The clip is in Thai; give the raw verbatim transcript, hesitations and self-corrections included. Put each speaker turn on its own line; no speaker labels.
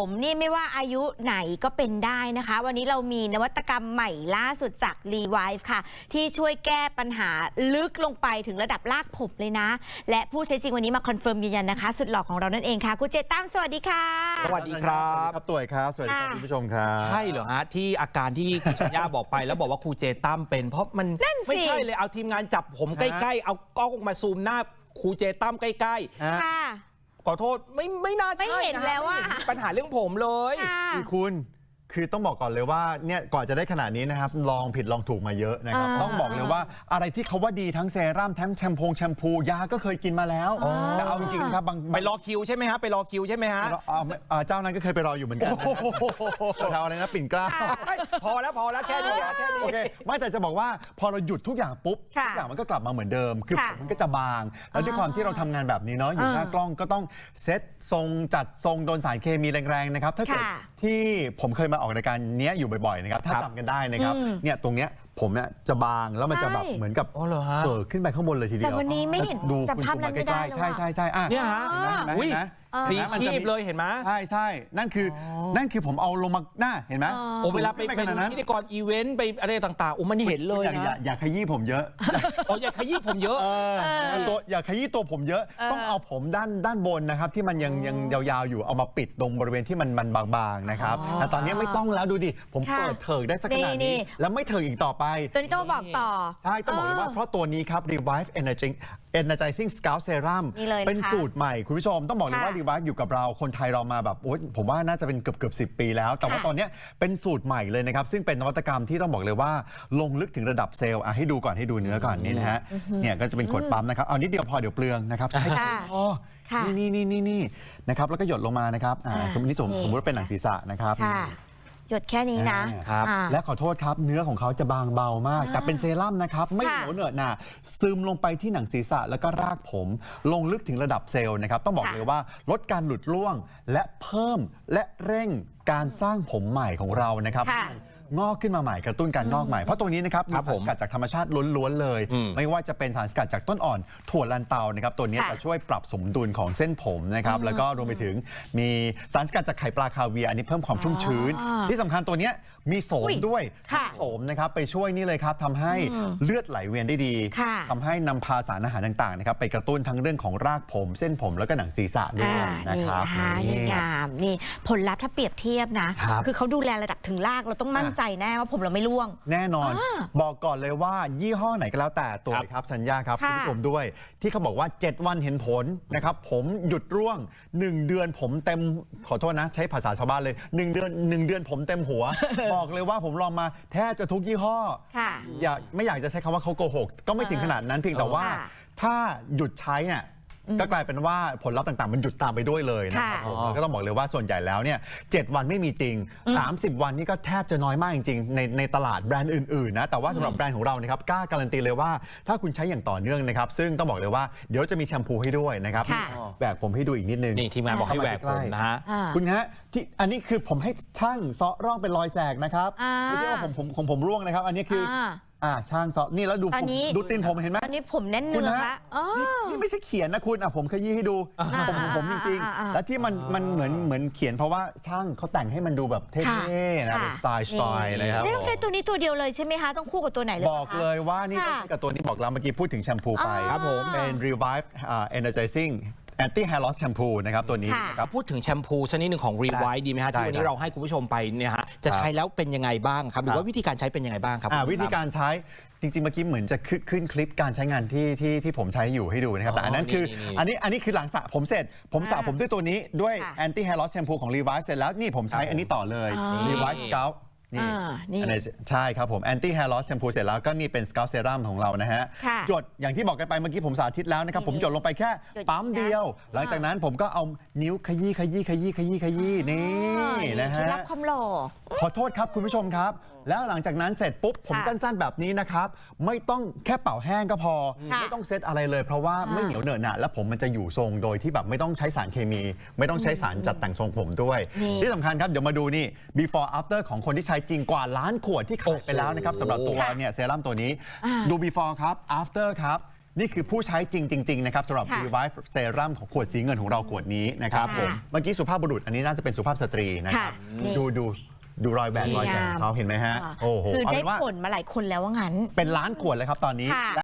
ผมนี่ไม่ว่าอายุไหนก็เป็นได้นะคะวันนี้เรามีนวัตกรรมใหม่ล่าสุดจาก Revive ค่ะที่ช่วยแก้ปัญหาลึกลงไปถึงระดับรากผมเลยนะและผู้ใช้จริงวันนี้มาคอนเฟิร์มยืนยันนะคะสุดหล่อของเรานั่นเองค่ะคุณเจตั้มสวัสดีค่ะ
สวัสดีครับ
ครับตัวครับสวัสดีครับคุณผู้ชมครับ
ใช่เหรอฮะที่อาการที่คุณชัญญาบอกไปแล้วบอกว่าครูเจตั้มเป็นเพราะมันไม่ใช่เลยเอาทีมงานจับผมใกล้ๆเอากล้องมาซูมหน้าครูเจตั้มใกล้ๆ
ค่ะ
ขอโทษไม่ไม่น่าใช่
ไม่เห็นแล้วว่า
ปัญหาเรื่องผมเลย
คือคุณคือต้องบอกก่อนเลยว่าเนี่ยก่อนจะได้ขนาดนี้นะครับลองผิดลองถูกมาเยอะนะครับต้องบอกเลยว่าอะไรที่เขาว่าดีทั้งเซรั่มทั้งแชมพูแชมพูยาก็เคยกินมาแล้วแต่เอาจริงๆครับบาง
ไปรอคิวใช่ไหมฮะไปรอคิวใช่ไหมฮะ
เจ้านั้นก็เคยไปรออยู่เหมือนกันแถวอะไรนะปิ่นเกล้า
พอแล้วพอแล้วแค่นี้แค่นี้
โอเคไม่แต่จะบอกว่าพอเราหยุดทุกอย่างปุ๊บทุกอย่างมันก็กลับมาเหมือนเดิมคือมันก็จะบางแล้วด้วยความที่เราทำงานแบบนี้เนาะอยู่หน้ากล้องก็ต้องเซตทรงจัดทรงโดนสารเคมีแรงๆนะครับถ้าเกิดที่ผมเคยมาออกรายการเนี้ยอยู่บ่อยๆนะครับถ้าจำกันได้นะครับเนี่ยตรงเนี้ยผมเนี่ยจะบางแล้วมันจะแบบเหมือนกับเกิดขึ้นไปข้างบนเลยทีเดียว
แต่วันนี้ไม่เห็น
ดูคุณซูมมาใกล้ๆใช่ใช่ใช่
เนี่ยฮะ
อุ้ย
พลีชีพเลยเห็นไหม
ใช่ใช่นั่นคือนั่นคือผมเอาลงมาหน้าเห็นไหม
โอ้เวลาไปเป็นพิธีกรอีเวนต์ไปอะไรต่างๆโอ้มันเห็นเลย
นะอย่าขยี้ผมเยอะ
โอ้อย่าขยี้ผมเยอะ
ตัวอย่าขยี้ตัวผมเยอะต้องเอาผมด้านด้านบนนะครับที่มันยังยังยาวๆอยู่เอามาปิดตรงบริเวณที่มันมันบางๆนะครับแต่ตอนนี้ไม่ต้องแล้วดูดิผมเปิดเถิกได้สักขนาดนี้แล้วไม่เถิกอีกต่อไป
ตัวนี้ต้องบอกต่อ
ใช่ต้องบอกเลยว่าเพราะตัวนี้ครับ Revive Energy Energizing Scalp Serum เป็นสูตรใหม่คุณผู้ชมต้องบอกเลยว่า Revive อยู่กับเราคนไทยเรามาแบบโอ๊ยผมว่าน่าจะเป็นเกือบเกือบสิบปีแล้วแต่ว่าตอนนี้เป็นสูตรใหม่เลยนะครับซึ่งเป็นนวัตกรรมที่ต้องบอกเลยว่าลงลึกถึงระดับเซลล์ให้ดูก่อนให้ดูเนื้อก่อนนี่นะฮะเนี่ยก็จะเป็นขวดปั๊มนะครับเอานิดเดียวพอเดี๋ยวเปลืองนะครับใช่พอนี่นี่นี่นี่นะครับแล้วก็หยดลงมานะครับสมมติสมมติว่าเป็นหนังศีรษะนะครับ
หยดแค่นี้นะ
และขอโทษครับเนื้อของเขาจะบางเบามากแต่เป็นเซรั่มนะครับไม่เหนียวเหนอะหนะซึมลงไปที่หนังศีรษะแล้วก็รากผมลงลึกถึงระดับเซลล์นะครับต้องบอกเลยว่าลดการหลุดร่วงและเพิ่มและเร่งการสร้างผมใหม่ของเรานะครับงอกขึ้นมาใหม่กระตุ้นการงอกใหม่เพราะตัวนี้นะครับมีสารสกัดจากธรรมชาติล้วนๆเลยไม่ว่าจะเป็นสารสกัดจากต้นอ่อนถั่วลันเตานะครับตัวนี้จะช่วยปรับสมดุลของเส้นผมนะครับแล้วก็รวมไปถึงมีสารสกัดจากไข่ปลาคาเวียร์อันนี้เพิ่มความชุ่มชื้นที่สำคัญตัวนี้มีโสมด้วยโสมนะครับไปช่วยนี่เลยครับทำให้เลือดไหลเวียนได้ดีทำให้นำพาสารอาหารต่างๆนะครับไปกระตุ้นทั้งเรื่องของรากผมเส้นผมแล้วก็หนังศีรษะด้วยนะครับ
นี่งามนี่ผลลัพธ์ถ้าเปรียบเทียบนะคือเขาดูแลระดับถึงรากเราต้องมั่นใจแน่ว่าผมเราไม่ร่วง
แน่นอนบอกก่อนเลยว่ายี่ห้อไหนก็แล้วแต่ตัวครับชัญญาครับคุณผู้ชมด้วยที่เขาบอกว่าเจ็ดวันเห็นผลนะครับผมหยุดร่วงหนึ่งเดือนผมเต็มขอโทษนะใช้ภาษาชาวบ้านเลยหนึ่งเดือนหนึ่งเดือนผมเต็มหัวบอกเลยว่าผมลองมาแทบจะทุกยี่ห้ออยากไม่อยากจะใช้คำว่าเขาโกหกก็ไม่ถึงขนาดนั้นเพียงแต่ว่าถ้าหยุดใช้เนี่ยก็กลายเป็นว่าผลลัพธ์ต่างๆมันหยุดตามไปด้วยเลยนะครับผมก็ต้องบอกเลยว่าส่วนใหญ่แล้วเนี่ยเจ็ดวันไม่มีจริงสามสิบวันนี่ก็แทบจะน้อยมากจริงๆในในตลาดแบรนด์อื่นๆนะแต่ว่าสำหรับแบรนด์ของเรานะครับกล้าการันตีเลยว่าถ้าคุณใช้อย่างต่อเนื่องนะครับซึ่งต้องบอกเลยว่าเดี๋ยวจะมีแชมพูให้ด้วยนะครับแหวกผมให้ดูอีกนิดนึง
นี่ทีมงานบอกให้แหวกผมนะฮะ
คุณฮะที่อันนี้คือผมให้ช่างเซาะร่องเป็นรอยแสกนะครับไม่ใช่ว่าผมผมของผมร่วงนะครับอันนี้คืออ่าช่างซอนี่แล้วดูดูตีนผมเห็นไหม
อันนี้ผมแน่นเนื้อละ
นี่ไม่ใช่เขียนนะคุณอ่ะผมขยี้ให้ดูผมของผมจริงๆและที่มันมันเหมือนเหมือนเขียนเพราะว่าช่างเขาแต่งให้มันดูแบบเท่ๆนะเป็นสไตล์สไตล์นะครับ
ไม่ต้องใช้ตัวนี้ตัวเดียวเลยใช่ไหมคะต้องคู่กับตัวไหนเลย
บอกเลยว่านี่ต้องใช้กับตัวนี้บอกแล้วเมื่อกี้พูดถึงแชมพูไป
ครับผม
เป็น Revive Energizing Anti Hair Loss Shampoo นะครับตัวนี้
นะครับพูดถึงแชมพูชนิดหนึ่งของ Revive ดีไหมฮะที่วันนี้เราให้คุณผู้ชมไปเนี่ยฮะจะใช้แล้วเป็นยังไงบ้างครับหรือว่าวิธีการใช้เป็นยังไงบ้างครับ
วิธีการใช้จริงๆเมื่อกี้เหมือนจะขึ้นคลิปการใช้งานที่ที่ที่ผมใช้อยู่ให้ดูนะครับแต่อันนั้นคืออันนี้อันนี้คือหลังสระผมเสร็จผมสระผมด้วยตัวนี้ด้วย Anti Hair Loss Shampoo ของ Revive เสร็จแล้วนี่ผมใช้อันนี้ต่อเลย Revive Scalpนี่ใช่ครับผม Anti Hair Loss Shampoo เสร็จแล้วก็นี่เป็น Scalp Serum ของเรานะฮะหยดอย่างที่บอกกันไปเมื่อกี้ผมสาธิตแล้วนะครับผมหยดลงไปแค่ปั๊มเดียวหลังจากนั้นผมก็เอานิ้วขยี้ขยี้ขยี้ขยี้ขยี้นี่นะฮะ
รับคำหล่อ
ขอโทษครับคุณผู้ชมครับแล้วหลังจากนั้นเสร็จปุ๊บผมสั้นๆแบบนี้นะครับไม่ต้องแค่เป่าแห้งก็พอไม่ต้องเซตอะไรเลยเพราะว่าไม่เหนียวเหนอะหนะแล้วผมมันจะอยู่ทรงโดยที่แบบไม่ต้องใช้สารเคมีไม่ต้องใช้สารจัดแต่งทรงผมด้วยที่สำคัญครับเดี๋ยวมาดูนี่ before after ของคนที่ใช้จริงกว่าล้านขวดที่ขายไปแล้วนะครับสำหรับตัวเนี่ยเซรั่มตัวนี้ดู before ครับ after ครับนี่คือผู้ใช้จริงๆนะครับสำหรับ
ค่ะ
Revive Serum ของขวดสีเงินของเราขวดนี้นะครับ
ค่ะ
ผมเมื่อกี้สุภาพบุรุษอันนี้น่าจะเป็นสุภาพสตรีนะครับ
ค่ะนี่
ดูดูดูรอยแบนรอยแสง
งาม
เขาเห็นไหมฮะ
อ่า
โอ้โห
คือ
เอา
ได้
เป็นว่า
ผลมาหลายคนแล้วว่างั้น
เป็นล้านขวดเลยครับตอนนี้
ค่ะ